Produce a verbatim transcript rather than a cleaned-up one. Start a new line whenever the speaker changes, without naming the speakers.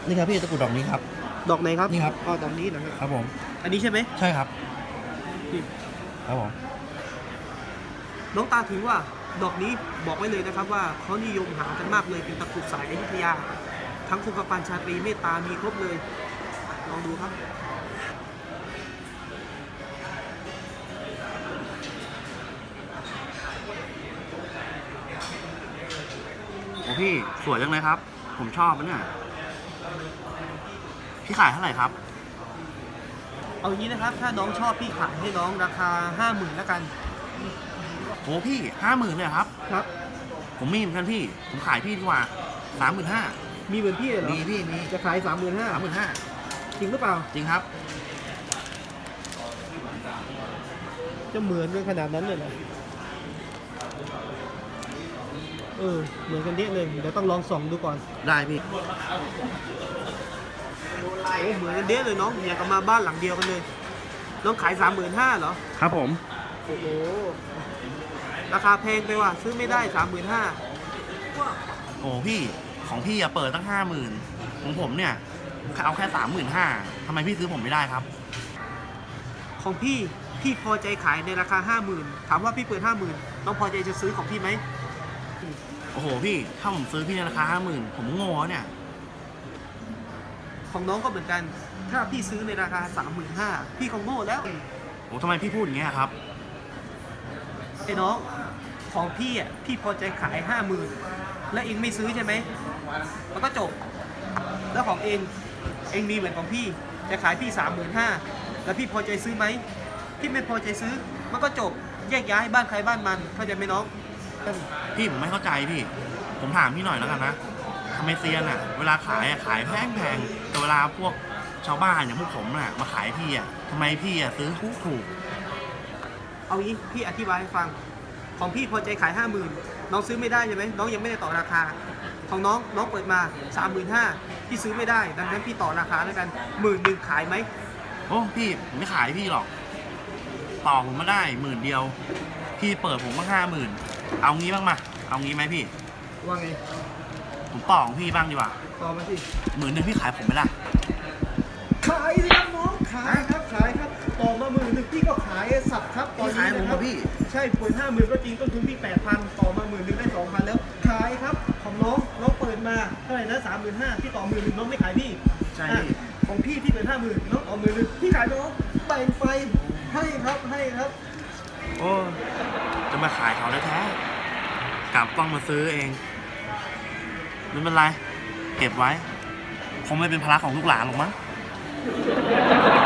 นี่ครับพี่ตะกรุดดอกนี้ครับ
ดอกไหนครับ
นี่ครับ
อ๋อดอกนี้นะครับ
ครับผม
อันนี้ใช่ไหม
ใช่ครับครับผม
น้องตาถึงว่าดอกนี้บอกไว้เลยนะครับว่าเขานิยมหากันมากเลยเป็นตะกรุดสายอยุธยาทั้งคงกระพันชาตรีเมตตามีครบเลยลองดูครับ
โอ้พี่สวยจังเลยครับผมชอบนะเนี่ยพี่ขายเท่าไหร่ครับ
เอางี้นะครับถ้าน้องชอบพี่ขายให้น้องราคาห้าหมื่นแล้วกัน
โอ้พี่ห้าหมื่นเลยครับ
ครับ
ผมมีเหมือนกันพี่ผมขายพี่ดีกว่าสามหมื่นห้า
มีเหมือนพี่เหรอ
มีพี่มี
จะขายสามหมื่นห้า
สามหมื่นห้า
จริงหรือเปล่า
จริงครับ
จะเหมือนกันขนาดนั้นเลยเหรอเออเหมือนกันเยอะเลยเดี๋ยวต้องลองส่องดูก่อน
ได้พี่
โอ้เหมือนกันเยอะเลยน้องอยากมาบ้านหลังเดียวกันเลยน้องขายสามหมื่นห้าเหรอ
ครับผม
โอ้โหราคาแพงไปว่ะซื้อไม่ได้สามหมื่นห้า
โอ้พี่ของพี่อะเปิดตั้งห้าหมื่นของผมเนี่ยเอาแค่สามหมื่นห้าทำไมพี่ซื้อผมไม่ได้ครับ
ของพี่พี่พอใจขายในราคาห้าหมื่นถามว่าพี่เปิดห้าหมื่นน้องพอใจจะซื้อของพี่ไหม
โอ้โหพี่ถ้าผมซื้อพี่ในราคาห้าหมื่นผมโง่เนี่ย
ของน้องก็เหมือนกันถ้าพี่ซื้อในราคาสามหมื่นห้าพี่คงโง่แล้ว
โอ้ทำไมพี่พูดอย่างเงี้ยครับ
ไอ้น้องของพี่อ่ะพี่พอใจขายห้าหมื่นแล้วเองไม่ซื้อใช่ไหมแล้วก็จบแล้วของเองเองมีเหมือนของพี่จะขายพี่สามหมื่นห้าแล้วพี่พอใจซื้อไหมพี่ไม่พอใจซื้อมันก็จบแยกย้ายบ้านใครบ้านมันเข้าใจไหมน้อง
พี่ผมไม่เข้าใจพี่ผมถามพี่หน่อยแล้วกันนะทำไมเซียนอ่ะเวลาขายอ่ะขายแพงแพงแต่เวลาพวกชาวบ้านอย่างพวกผมอ่ะมาขายพี่อ่ะทำไมพี่อ่ะซื้อถูกถูก
เอางี้พี่อธิบายให้ฟังของพี่พอใจขายห้าหมื่นน้องซื้อไม่ได้ใช่ไหมน้องยังไม่ได้ต่อราคาของน้องน้องเปิดมาสามหมื่นห้าพี่ซื้อไม่ได้ดังนั้นพี่ต่อราคาแล้วกันหมื่นหนึ่งขายไหม
โอ้พี่ผมไม่ขายพี่หรอกต่อผมมาได้หมื่นเดียวพี่เปิดผมก็ห้าหมื่นเอางี้บ้างมาเอางี้ไหมพี่
ว่าไง
ผมต่อของพี่บ้างดีกว่า
ต่อมาสิ
หมื่นหนึ่งพี่ขายผมไม่ได้
ขายสิครับน้องขายครับขายครับต่อมาหมื่นหนึ่งพี่ก็ขายสับครับตอนนี้นะครับพี่ใช่เปิดห้าหมื่นก็จริงต้นทุนพี่แปดพันต่อมาหมื่นหนึ่งได้สองพันแล้วขายครับของน้องน้องเปิดมาเท่าไหร่นะสามหมื่นห้าพี่ต่อหมื่นหนึ่งน้องไม่ขายพี่
ใช่
ของพี่พี่เปิดห้าหมื่นน้องต่อหมื่นหนึ่งพี่ขายน้องแบ่งไฟให้ครับให้ครับ
โอ้จะมาขายเขาได้แท้กลับต้องมาซื้อเองไม่เป็นไรเก็บไว้คงไม่เป็นภาระของลูกหลานหรอกมั้ง